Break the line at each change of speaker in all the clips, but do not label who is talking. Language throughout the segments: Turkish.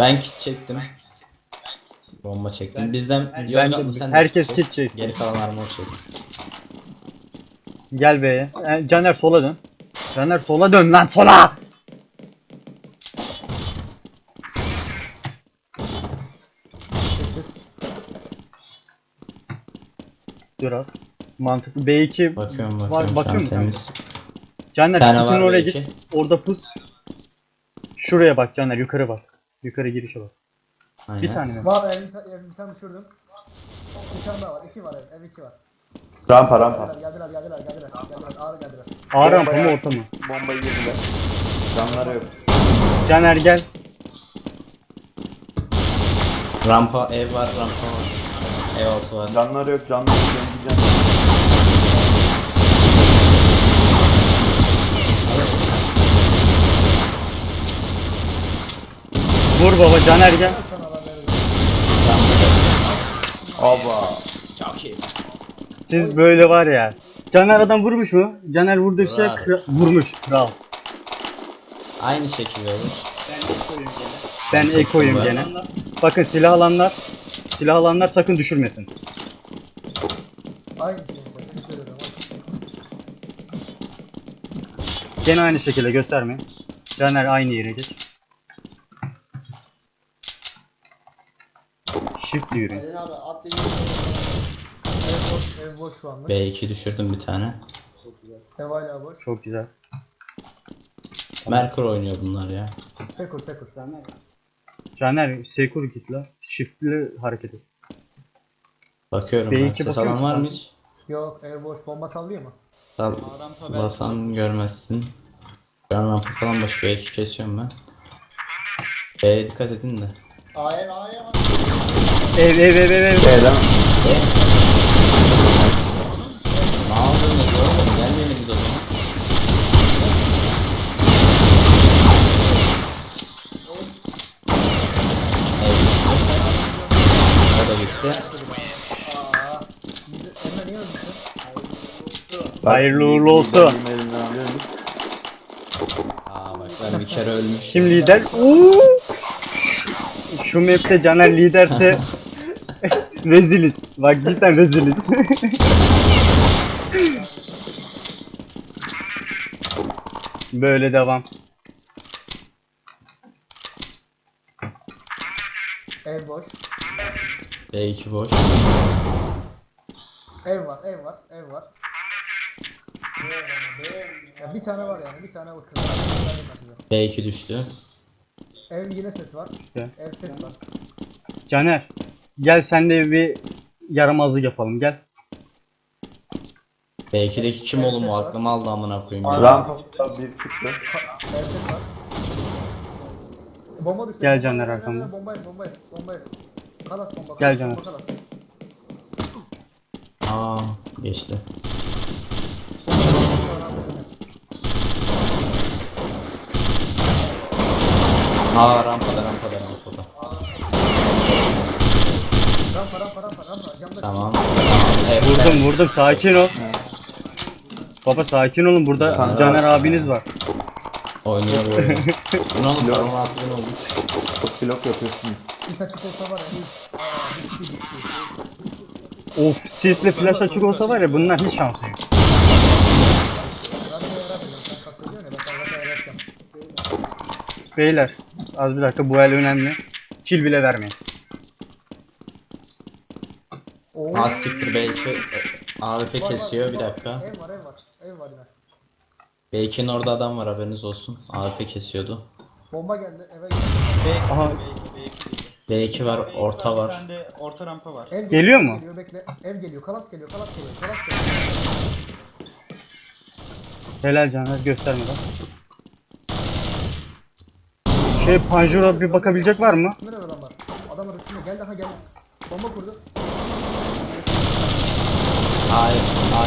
Ben kit çektim. Bomba çektim. Bizden
Ben
Yozgatlı
de
sen de
herkes
çek.
kit çeksin.
Geri kalan armor çeksin.
Gel B'ye. Caner sola dön. Caner sola dön lan sola. Biraz mantıklı. B2
Bakıyorum
var,
şu an
bakıyor musun kanka?
temiz.
Caner
Bir tane
kutunun
var
oraya
B2.
git. Orada pus. Şuraya bak Caner, yukarı bak. Yukarı girişe bak.
Aynen.
Bir tane mi?
Var bir tane düşürdüm. Bir tane daha var. 2 var ev 2 var.
Rampa rampa.
Geldiler. Ağır geldiler.
A rampa mı
Bombaya-
orta mı?
Bombayı yediler. Canları yok.
Caner gel.
Rampa ev var, rampa var. Ev altı var.
Canları yok. Canları yok. Gideceğim.
Vur baba Caner gel.
Aba.
Çok iyi.
Siz böyle var ya. Caner adam vurmuş mu? Caner vurdu şey
Bravo.
vurmuş. Kral.
Aynı şekilde olur.
Ben
çektim
ekoyum
ben.
gene. Bakın silah alanlar sakın düşürmesin.
Aynı şey işte. Seni söylüyorum.
Gene aynı şekilde gösterme. Caner aynı yere geç. Shift yürü.
Ev boş şu anlık.
B2 düşürdüm bir tane.
Ev hala boş.
Çok güzel.
Merkur oynuyor bunlar ya.
Sekur.
Caner sekur git la. Shift'li hareket et.
Bakıyorum
B2
ben. Ses
bakıyor
alan var
musun?
mı hiç?
Yok ev boş. Bomba sallıyor mu?
Sal. Basan görmezsin. Şu an rampa falan boş. B2 kesiyorum ben. B'ye dikkat edin de.
Ev.
B'den.
Ne yapıyorsunuz oğlum? Gelmeyin o zaman. Evet. O da bitti.
Emre niye öldürsün?
Hayırlı uğurlu olsun.
Benim elimden alıyorum.
Aa bak ben bir kere ölmüştüm.
Kim lider? Uuu. Şu map'te Caner liderse reziliz. Bak cidden reziliz. Böyle devam.
Ev boş.
B2 boş.
Ev var. Ya bir tane var yani. Bir tane var.
B2 düştü.
Ev yine ses var.
İşte.
Ev ses var.
Caner gel sen de bir yaramazlık yapalım gel.
B2'deki kim oğlum o aklımı aldı amına koyayım. ya.
Rampa bir çıktı.
Ev ses var. Bomba düştü.
Gel
bomba,
Caner
bomba,
arkamda.
Bombayı. Kalas bomba.
Gel Caner.
Kalas.
Aa geçti. Aa rampada.
Rampa. Camda.
Tamam. Evet,
Vurdum sakin ol. Baba sakin olun burada
Caner
Caner
abi.
abiniz var.
Oynuyor bu oyunu. Bu ne oğlum? Param 6000 olmuş.
Çok blok yapıyorsunuz.
Bir saçık olsa var ya. Bitti.
Of sisli flash açık olsa var ya bunlar hiç şansı yok.
Ben de yaratacağım. Sen kastediyorsun ya. Ben sana yaratacağım.
Beyler az bir dakika bu el önemli. Kill bile vermeyin.
Oo.
Ha siktir B2 AWP kesiyor bir dakika.
Ev var. Ev var yine.
B2'nin orada adam var haberiniz olsun. AWP kesiyordu.
Bomba geldi. Eve geldi.
Aha
B2 var, orta
Bir
var.
tane de orta rampa var.
Ev
Geliyor mu?
Geliyor bekle. Ev geliyor. Kalas geliyor.
helal Caner göstermeden. Panjura bir bakabilecek var mı?
Nerede adam var? Adam var üstünde. Geldi. Geldi. Bomba kurdu.
Hayır.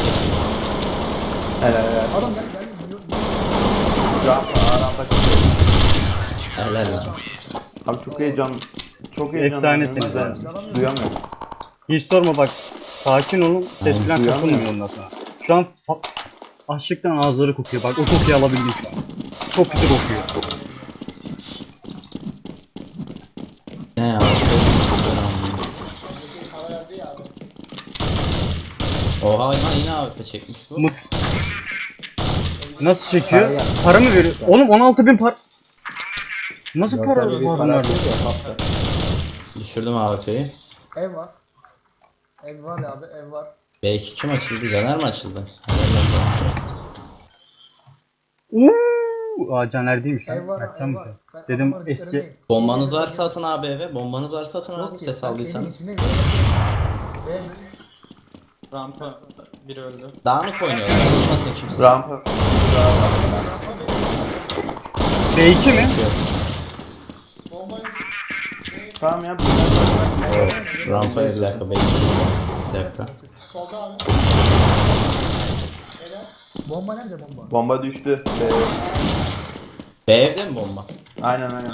Helal.
Adam geldi. Biliyor.
Rampa çıktı.
Helal lan.
Abi çok heyecan. Çok heyecan.
Efsanesiniz
Ben
abi.
duyamıyorum.
Hiç sorma bak. Sakin olun. Ses
Aynen,
falan
duyamıyorum.
kasılmıyor ondan sonra. Şu an açlıktan ağızları kokuyor. Bak o kokuyu alabildim şu an. Çok kötü kokuyor.
Oha lan yine AWP çekmiş bu.
Mut. Nasıl çekiyor? Para mı veriyor? Oğlum 16.000 para. Nasıl para var bunlarda?
Düşürdüm AWP'yi.
Ev var. Ev var abi, ev var.
B2 kim açıldı? Caner mi açıldı?
Uuu. Aa Caner değilmiş lan.
Ev var,
Mertcan
ev
mı?
var. Ben
Dedim
adamları
eski.
göremeyim.
Bombanız varsa atın abi eve. Bombanız varsa atın abi
Yok ki,
ses
ben
aldıysanız.
evin içindeyim. Ev.
Rampa biri öldü.
Dağınık oynuyorlar. Olmasın kimse.
Rampa.
B2 mi?
Tamam ya.
Rampaya bir dakika bekle. Bir dakika.
Bomba nerede bomba?
Bomba düştü.
B evde mi bomba?
Aynen aynen.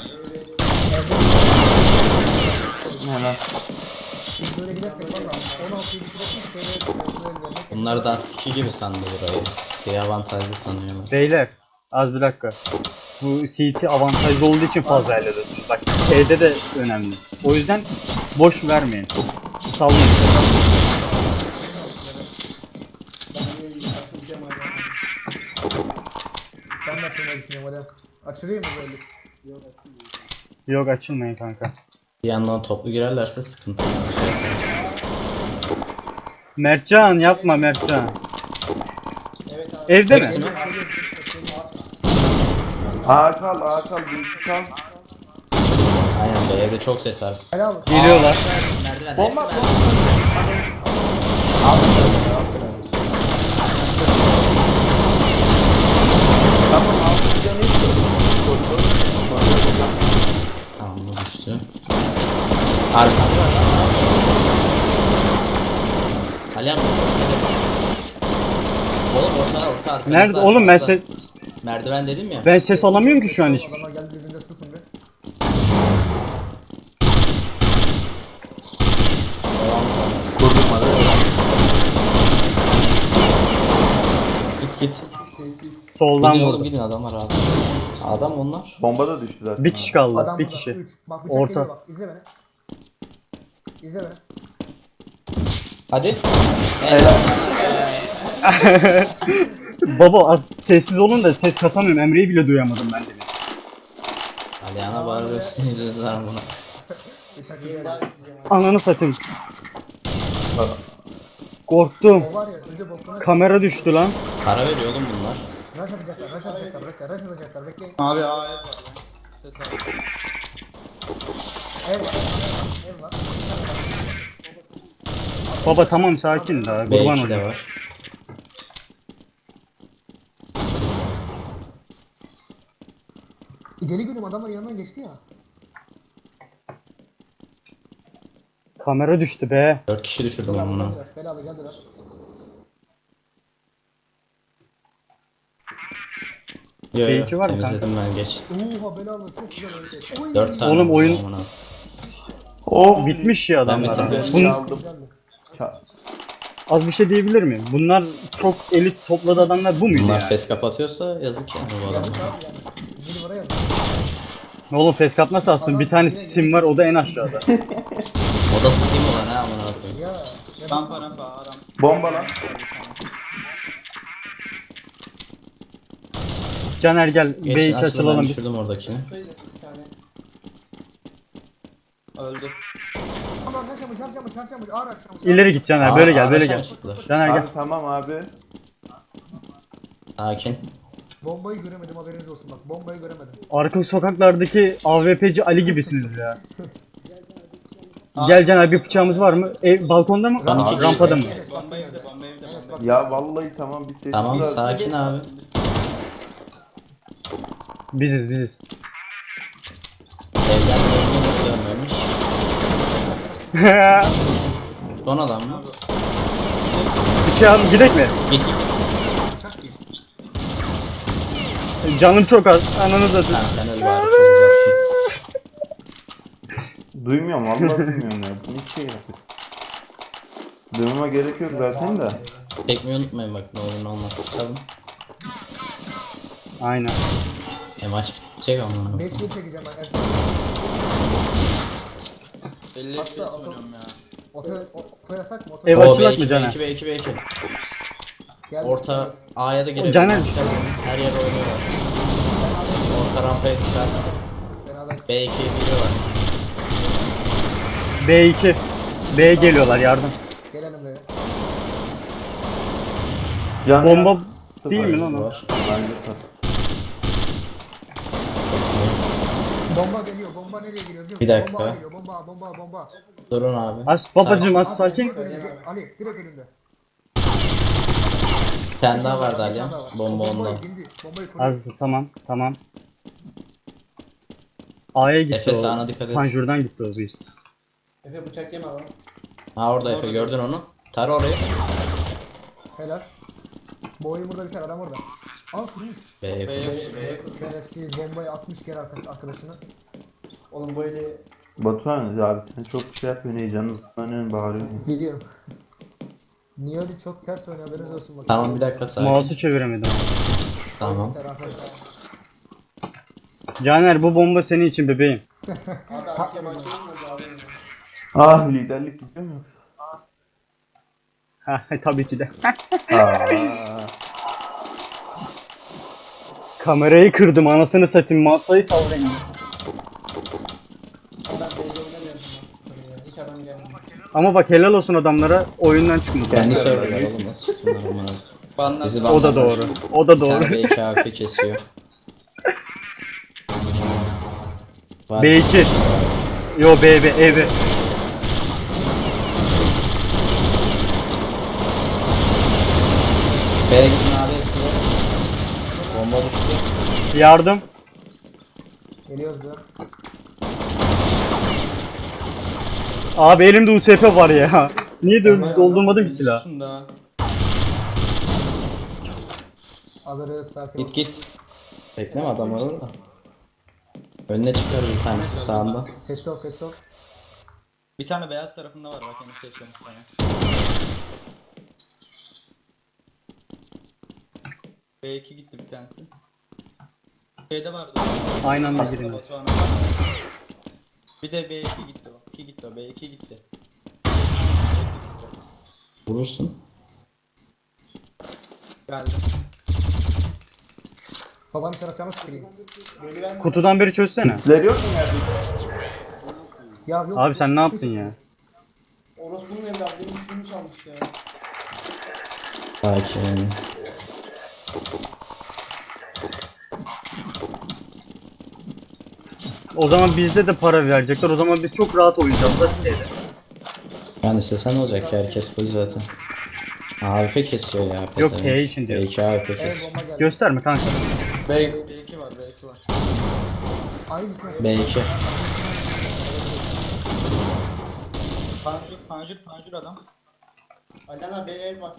Hemen.
Biz böyle gidersek valla 16'yı bitirersek şöyle vermek.
Bunlar Dust 2 gibi sandı burayı. Şey avantajlı sanıyorlar.
Beyler az bir dakika. Bu CT avantajlı olduğu için fazla elde ediyorsunuz. Bak T'de de önemli. O yüzden boş vermeyin. Sallayın.
Ben de açılmayı düşünüyorum hadi. Açılayım mı böyle?
Yok açılmayın kanka.
Bir yandan toplu girerlerse sıkıntı. Şey yapsanız.
Mertcan yapma Mertcan. Evde mi?
Hepsi mi?
A kal büyük kal.
Aynen B evde çok ses var.
Helal olsun.
Geliyorlar.
Merdiven
Bomba
hepsi
Tamam altı canı
Tamam bu düştü. Arkamda var lan. Alihan oğlum orta arkamızda.
Nerede? Oğlum ben ses,
Merdiven dedim ya.
ben ses alamıyorum ki şu an hiç.
Adamlar geldi birbirine susun be.
kurdum hadi.
Git.
Soldan
Gidin oğlum
vurdu.
gidin adam var abi. Adam onlar.
Bomba da düştü zaten.
Bir kişi kaldı.
Adam
Bir
burada,
kişi.
üç. Bak bıçak
Orta.
geliyor bak. İzle beni. İzle beni.
Hadi.
Baba az sessiz olun da ses kasamıyorum. Emre'yi bile duyamadım ben demin.
Alihan'a bağırıyorsun yüzünden buna.
Bıçak geliyor.
Ananı satayım. Korktum.
O var ya öldü bokuna.
Kamera düştü lan.
Para veriyor oğlum bunlar.
Rush atacaklar, rush atacaklar, bekle, rush atacaklar, bekleyin.
Abi A ev var ya. Ses al.
Ev var, ev var.
Baba tamam sakin daha. Kurban
B2 de
olayım.
var.
Deli gülüm adamlar yanından geçti ya.
Kamera düştü be.
4 kişi düşürdüm ben bunu.
Belalı geldiler.
Yo
B2 var mı
temizledim ben geç.
Oha belalı çok güzel öldü. Oy.
4 tane.
Oğlum,
oldu
oyun-
amına.
Of. Bitmiş ya
Ben
adamlar.
bitirdim.
Bunun,
Aldım.
az bir şey diyebilir miyim? Bunlar çok elit topladı adamlar bu muydu
Bunlar
yani?
fes kapatıyorsa yazık yani bu adamlar.
Biri buraya yazdı.
Oğlum feskap nasıl alsın? Bir tane Steam var o da en aşağıda.
O da Steam olan ha amına koyayım.
Ya.
Rampa rampa rampa.
Bomba lan.
Caner gel
Geçin
B2
açılın
açılalım
ben
biz.
düşürdüm oradakini.
Öldü.
Aman yaşamış, yaşamış. Ağır yaşamış.
İleri git Caner böyle gel böyle
Araçtan
gel.
çıktılar.
Caner gel.
Abi tamam abi.
Sakin.
Bombayı göremedim haberiniz olsun bak. Bombayı göremedim.
Arka sokaklardaki AWP'ci Ali gibisiniz ya. Gel Caner bir bıçağımız var mı? Balkonda mı?
Lan iki
Rampada mı?
Evet, bak,
Bomba evde bomba evde bomba evde.
Ya vallahi tamam bir sessiz
Tamam
ol.
sakin abi.
Biziz.
Evden dönmemiş. Son adam mı?
Bıçağım gidek mi?
Git.
Canım çok az. Ananı da
Tamam sen öl bari çok uzaksın.
Duymuyorum vallahi duymuyorum ya. Bu hiç şey yapıyor. Duymama gerek yok zaten de.
Çekmeyi unutmayın bak ne olur ne olmaz çıkalım.
Aynen.
Maç bitecek ama.
5 yıl çekeceğim ben.
Belli
Hatta
ses oynuyorum ya.
Oto yasak mı? Oto
Ev
O
açılak
B2
mı Caner?
B2 B2 B2.
Gel.
Orta A'ya da girebilir.
Caner.
Her yere oynuyorlar. Orta rampaya dikkat.
Beraber.
B2'ye giriyorlar.
B2. B geliyorlar yardım.
Gelelim böyle.
Can
Bomba
ya.
değil mi
Sıfır.
lan o?
Var.
Bence tabii.
Bomba geliyor. Bomba nereye geliyor? biliyor
Bir
musun?
dakika.
Bomba geliyor. Bomba.
Durun abi.
Az babacım
Sakin.
az sakin.
Direkt önünde. Ali direkt önünde.
Bir tane daha vardı
Bir
Ali.
tane daha var.
Bomba
O
onda.
Bombayı dindi. Bombayı koruyor.
Az tamam. A'ya gitti
Efe
o.
sağına dikkat et.
Panjurdan gitti o büyük.
Efe bıçak yeme lan.
Ha orada Efe gördün onu. Tar orayı.
Helal. Bu oyun burada biter. Adam orada. Aa kurmuş.
B
Şerefsiz bombayı atmış kere arkadaşına. Oğlum böyle
Batuhan abi sen çok şey yapıyorsun heyecanlı. Önemli bağırıyorsun.
biliyorum. Niye öyle çok ters oynuyor haberiniz olsun bakın.
Tamam bir dakika sakin.
Mouse'u çeviremedim.
Tamam.
Caner bu bomba senin için bebeğim.
Ah liderlik gidiyor mu yoksa?
Ha tabii ki de.
Aa.
Kamerayı kırdım anasını satayım masayı sallayayım. Ama bak helal olsun adamlara oyundan çıkmadı.
Kendi serverlar oğlum nasıl çıksınlar amına.
Banlar.
Bizi
O da
banlarlar.
doğru. O da
Bir
doğru.
tane B2 AP kesiyor. Var.
B2. Yo B evi.
B'ye gidin abi hepsi de. Bomba düştü.
Yardım.
Geliyoruz be.
Abi elimde USP var ya. Niye doldurmadım ki silah?
Şunda.
Alırız sakin ol.
Git git. Bekleme adamlar orada. Önüne çıkar bir tanesi sağında.
Ses ol.
Bir tane beyaz tarafında var bak henüz seçiyorum bir tane. B2 gitti bir tanesi. Şeyde vardı.
Aynı anda girin.
Batuhan'a. Bir de B2 gitti o. 2 gitti o. B2 gitti.
Vurursun.
Geldi.
Babanın taraflarına sıkayım.
Kutudan beri çözsene.
Kitler yok mu yerde?
Ya yok.
Abi sen ne yaptın ya?
Orospu'nun evladı benim üstümü çalmış ya.
Sakin.
O zaman bizde de para verecekler. O zaman biz çok rahat oynayacağız da şeyde.
Yani istesen olacak ki herkes full zaten. AWP kesiyor ya.
Yok,
pezevenk.
T için diyor.
B2 AWP
Evet
kesiyor.
bomba geldi.
Gösterme kanka.
B2 var B2 var.
Aynısı.
B2.
Pancur adam.
Alana B var.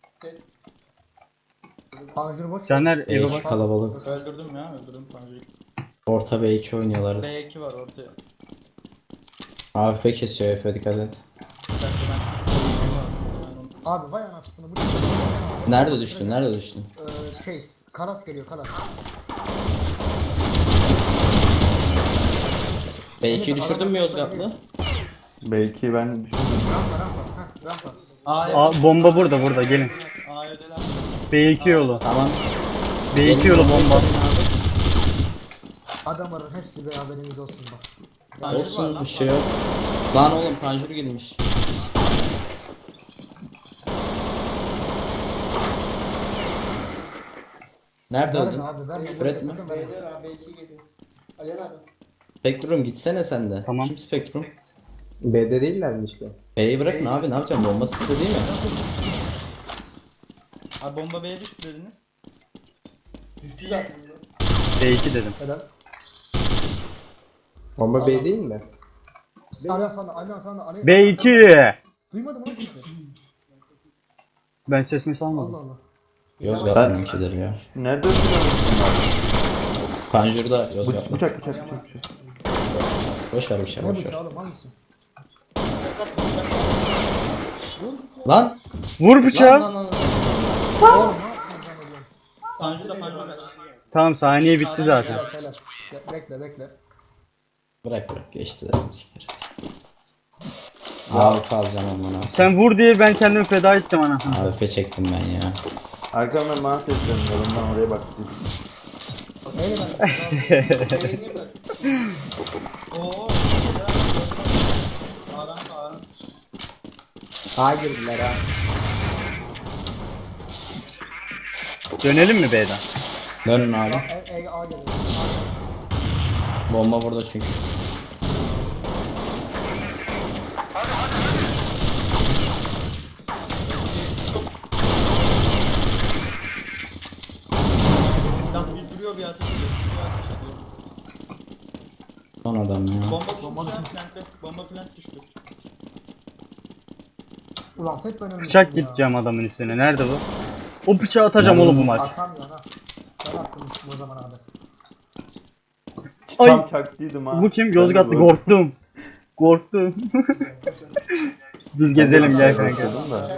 Panjur boş.
Caner eve
B2
bak.
kalabalık.
Öldürdüm Pancur'u.
Orta B2 oynuyorlar.
B2 var ortaya.
AWP kesiyor Efe dikkat et.
Abi vay anasını bu.
Nerede düştün? Nerede düştün?
Karas geliyor karas.
B2'yi düşürdün mü Yozgatlı?
Belki ben düşünmüyorum.
Rampa.
Aa, bomba burada gelin.
A'ya
B2 yolu.
Tamam.
B2 yolu bomba.
Adamların hepsi be haberiniz olsun bak.
Olsun bir şey yok. Lan oğlum panjur girmiş. Nerede
Verme
öldün?
abi verme.
Küfür etme.
Sakın verme. B2 geliyor. Alena abi.
Spektrum gitsene sen de.
Tamam.
Kim Spektrum?
B'de değiller mi işte?
B'yi bırakın abi ne yapacağım? Bomba sizde değil mi?
Abi bomba B'ye düştü dediniz.
Düştü zaten.
B2 dedim.
Helal.
Bomba B değil mi?
Alena sana.
B2.
Duymadım lan kimse.
Ben sesimi
Allah
salmadım.
Allah.
Yozgatlı'nınkidir ya.
Nerede oturuyorsun?
Panjur'da Yozgatlı.
Bıçak.
Boş ver bir şey
Ne
boş
bu
ver.
oğlum hangisi?
Lan!
Vur bıçağı.
Lan.
Oğlum ne yapıyorsun sen oğlum?
Pancur'da kaç.
Tamam saniye bitti zaten.
Helal. Bekle.
Bırak geçti zaten siktir et. AWP alacağım amına.
Sen vur diye ben kendimi feda ettim anasını.
AWP çektim ben ya.
Arkamdan bana sesleniyor. Ondan oraya baktım.
Neyle ben?
Oo. Sağdan sağdan.
A girdiler ha.
Dönelim mi B'den?
Dönün abi.
A geliyor.
Bomba burada çünkü.
Lan bir duruyor bir ateş ediyor.
Son adam ya.
Bomba plante. Bomba plant düştü.
Ulan tek ben önümde.
Bıçak gideceğim adamın üstüne. Nerede bu? O bıçağı atacağım oğlum bu maç.
Atamıyor ha. Ben attım bu zamana kadar.
Ay.
Tam çaktıydım ha.
Bu kim?
Ben
Yozgatlı
de
korktum. Korktum. Biz gezelim gel kanka.
korkuyordum da.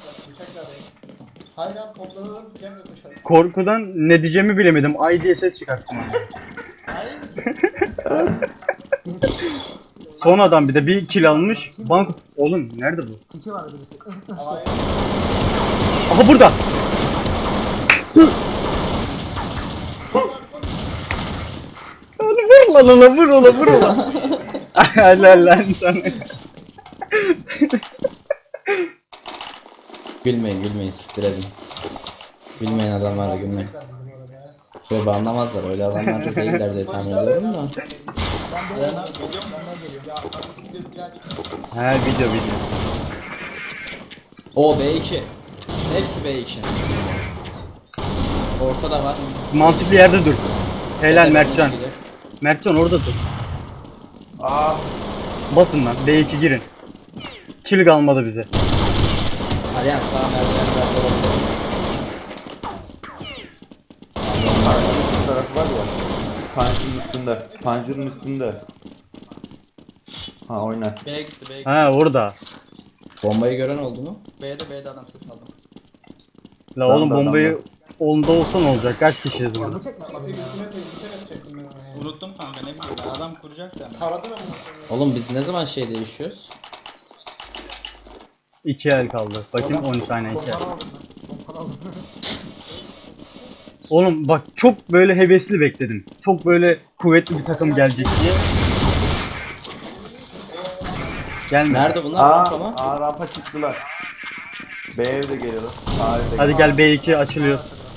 Hayran toplanalım. Gel dışarı.
Korkudan ne diyeceğimi bilemedim. Ay diye ses çıkarttım. Son adam bir de bir kill almış. Bank... Oğlum nerede bu?
Kiki var birisi.
Aha burada. Dur. Vur lan ona vur ona vur ona. Helal lan sana.
Gülmeyin siktir edin. Gülmeyin adamlarla gülmeyin. Böyle anlamazlar öyle adamlar da değiller diye tahmin ediyorum da.
He video.
O B2. Hepsi B2. Ortada var.
Mantıklı yerde dur. Helal
Ortada
Mertcan.
bir kişi.
Mertcan orada dur.
Aa.
Basın lan B2 girin. Kill kalmadı bize.
Hadi yani sağ merdivenlerde olabilir.
Panjurun tarafı var ya. Panjurun üstünde. Panjurun üstünde. Ha oyna.
B'ye gitti B'ye gitti.
Ha orada.
Bombayı gören oldu mu?
B'de adam ses aldım.
La
Tamam
oğlum
da
bombayı
adamlar.
onda olsa ne olacak? Kaç kişiyiz burada?
Bıçak mı?
Unuttum kanka ne bileyim ben. Adam kuracak da.
Oğlum biz ne zaman şey değişiyoruz?
2 el kaldı. Bakayım 13 saniye 2 el. Oğlum bak çok böyle hevesli bekledim. Çok böyle kuvvetli bir takım gelecek diye. Gelme.
Nerede bunlar? Rampa mı?
Rampa çıktılar. B evde geliyorlar. A evde
Hadi
geliyorlar.
gel B2 açılıyor.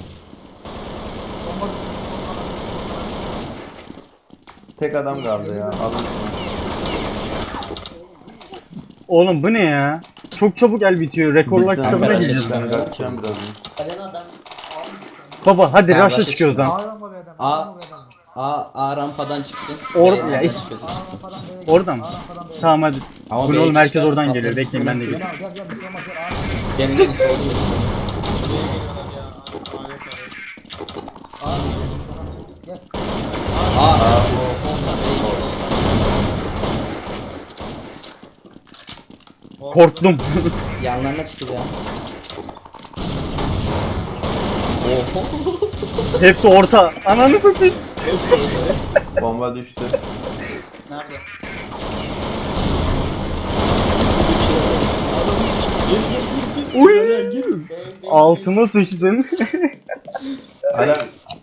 Tek adam kaldı ya. Alın.
Oğlum bu ne ya? Çok çabuk el bitiyor. Rekorlar
Bizden
kitabına
beraber
gireceğiz.
çıkan-
Ben kaçacağım birazdan.
Baba hadi
Ha,
rush'a
rush'a
çıkıyoruz lan.
Hayran mı B'den?
A-
Hayran mı B'den?
A rampadan çıksın.
Or-
B
ya
nereden
hiç-
çıkıyorsa çıksın.
Rampadan B'ye gel.
Orada mı?
Rampadan B'ye
Tamam hadi.
Ama
Bu ne
B2
oğlum herkes
çıkarsa
oradan geliyor.
patlarız.
Bekleyin ben de
gel.
geleyim.
Gel bir şey olmaz gel.
Gelin gelin solda.
B'ye geliyorlar ya. A yok abi.
Gel.
A.
Korktum.
Yanlarına çıkacağım. Oho.
Hepsi orta. Ananı satayım.
Bomba düştü.
Nerede?
Uy. Altıma sıçtın.
Hala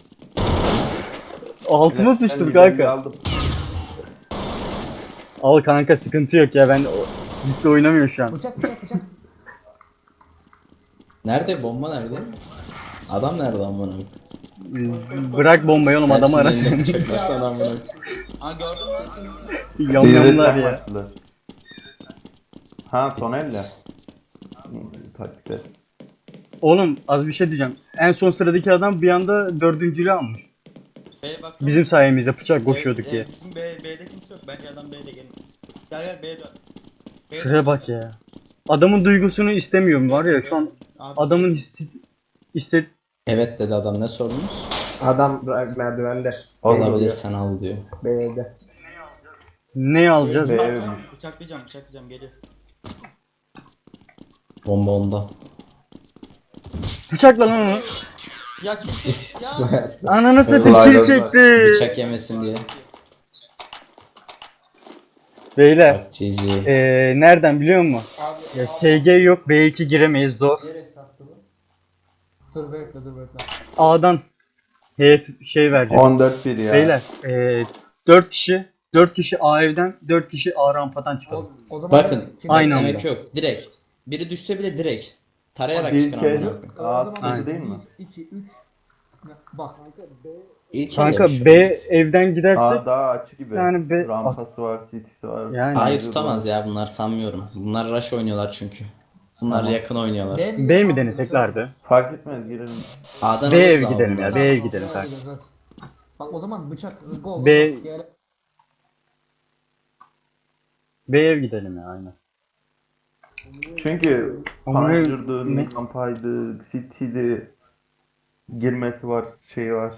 Altıma sıçtın
ben
kanka.
aldım.
Al kanka sıkıntı yok ya ben ciddi oynamıyorum şu an.
Bıçak.
Nerede bomba nerede? Adam nerede amına?
Bırak bombayı oğlum adamı
Hepsinin elinde
arasın.
bıçak baksana amına.
Ha gördün mü?
Yamyamlar ya.
Başladılar. Ha son elle. Taktikler.
Oğlum az bir şey diyeceğim. En son sıradaki adam bir anda dördüncülüğü almış.
B'ye bak.
Bizim sayemizde bıçak koşuyorduk diye.
Bizim B'de kimse yok. Bence adam B'de gelin. Gel B'ye dön. B'ye
Şuraya
dön.
bak ya. Adamın duygusunu istemiyorum var ya şu an
Abi,
adamın iste
Evet dedi adam ne sorunuz?
Adam merdivende.
Olabilir sen al diyor.
B'de.
ne alacağız?
B evmiş.
Bıçaklayacağım geliyor.
Bomba onda.
Bıçakla lan onu.
Ya kimse ya.
Ananı satayım
Slider'lar.
kill çekti.
Bıçak yemesin diye.
Beyler.
Bak GG.
Nereden biliyor musun? Ya SG yok, B2 giremeyiz, zor.
Dur bekle.
A'dan şey verecek.
14-1 ya.
Beyler 4 kişi A evden, 4 kişi A rampadan çıkalım.
O zaman
Bakın
Aynı
beklemek
anda.
yok. Direkt. Biri düşse bile direkt. Tarayarak
İlk
çıkın
el
amına koyayım.
A sıkıntı değil mi?
2 3 bak.
İlk
Kanka
elde bir şey
B
olmaz.
evden gidersek
A daha açık gibi.
yani B-
Rampası var, CT'si var.
Yani.
A'yı
Mevcut
tutamaz
var.
ya bunlar sanmıyorum. Bunlar rush oynuyorlar çünkü. Bunlar
Tamam.
yakın oynuyorlar.
B mi denesek lardı?
Fark etmez girelim.
A'dan
B
alırız
ev
ama
gidelim
bunları.
ya, B ev gidelim kanka.
Bak o zaman bıçak gol.
B-
Gel.
B ev gidelim ya aynen.
Çünkü
Ama
Panger'dı,
ne-
Rampa'ydı, City'di. Girmesi var, şeyi var.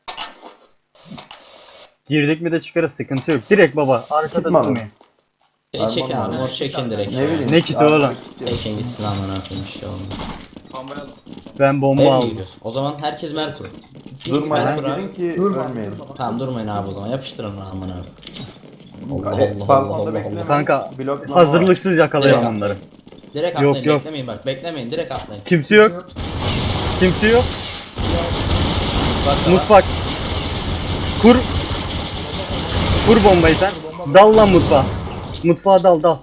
Girdik mi de çıkarız, sıkıntı yok. Direkt baba arkada
Çıkmadı.
durmayın.
Şey çekin
Armor
abi,
var.
mor çekin direkt.
Ne bileyim.
Ne kiti
Armor
oğlum?
kiti.
Çekin gitsin amına koyayım bir şey olmaz.
Bombayı alın.
Ben bomba
B mi
aldım.
giriyorsun? O zaman herkes Merkur.
Durmadan
Merkur abi.
girin ki
Durma.
ölmeyelim.
Tamam durmayın abi o zaman. Yapıştırın lan amına koyayım. Allah
Evet,
Allah Allah
balkonda
Allah
beklemeyin.
Allah.
Kanka
Bloklama var.
hazırlıksız
Direkt
yakalayalım
atlayın.
onları.
Direkt
Yok,
atlayın
yok.
beklemeyin bak beklemeyin direkt atlayın.
Kimse yok. Kimse yok.
Bak da var.
Mutfak. Kur. Kur bombayı sen. Dal lan mutfağa. Mutfağa dal.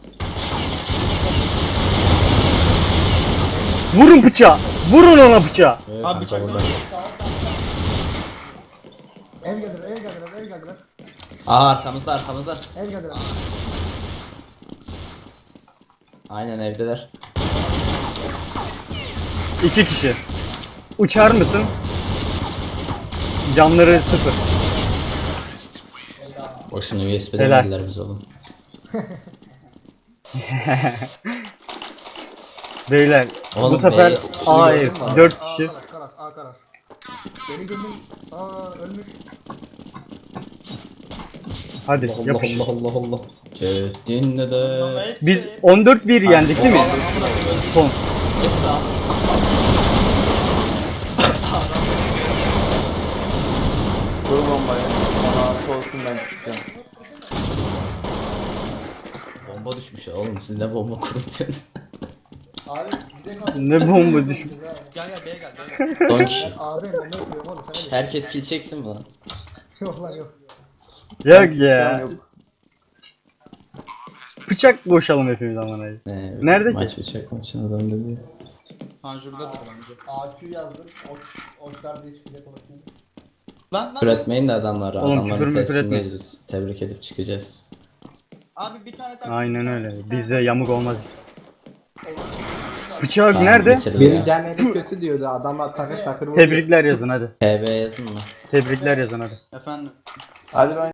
Vurun bıçağı. Vurun ona bıçağı.
Evet,
Abi
kanka
bıçak
burada.
Ev geldiler.
Aa arkamızda.
Ev geldiler.
Aynen evdeler.
2 kişi. Uçar mısın? Canları 0.
Boşuna USB
Helal.
demediler biz oğlum.
Beyler
Oğlum,
bu sefer
B-
A
gördün
ev
mü abi?
4 kişi.
Karas. Beni gömün. Ölmüş.
Hadi
Allah
yapış.
Allah. Ceddinle de.
Biz 14-1 yendik değil mi? Son.
Hepsi abi.
Dur bombayı. Bana artı olsun ben çıkacağım.
Bomba düşmüş ya oğlum siz ne bomba kurutuyorsunuz?
Ne bomba düşmüş.
Gel B'ye gel.
Son kişi.
Ağzıyım ben öpüyorum oğlum. Sen ne
Herkes kill çeksin mi lan?
Yok lan yok.
Yok ya.
Yok.
Bıçak boşalım hepimiz aman ayı. Nerede ki?
Maç bıçak maçına döndü diye.
Panjur'da bence.
AQ yazdım. Oçlar diye çıkacak konuşuyor.
Lan.
Üretmeyin de adamları.
Oğlum,
Adamların
küfür müfür
testindeyiz
etme.
biz. Tebrik edip çıkacağız.
Abi bir tane tak.
Aynen öyle. Bizde yamuk olmaz. Bıçak
Tamam,
nerede?
bitirdi
Biri
ya.
Caner'i kötü diyordu. Adamlar takır takır vuruyor.
Tebrikler yazın hadi.
PB yazın mı?
Tebrikler yazın hadi.
Efendim.
Hadi ben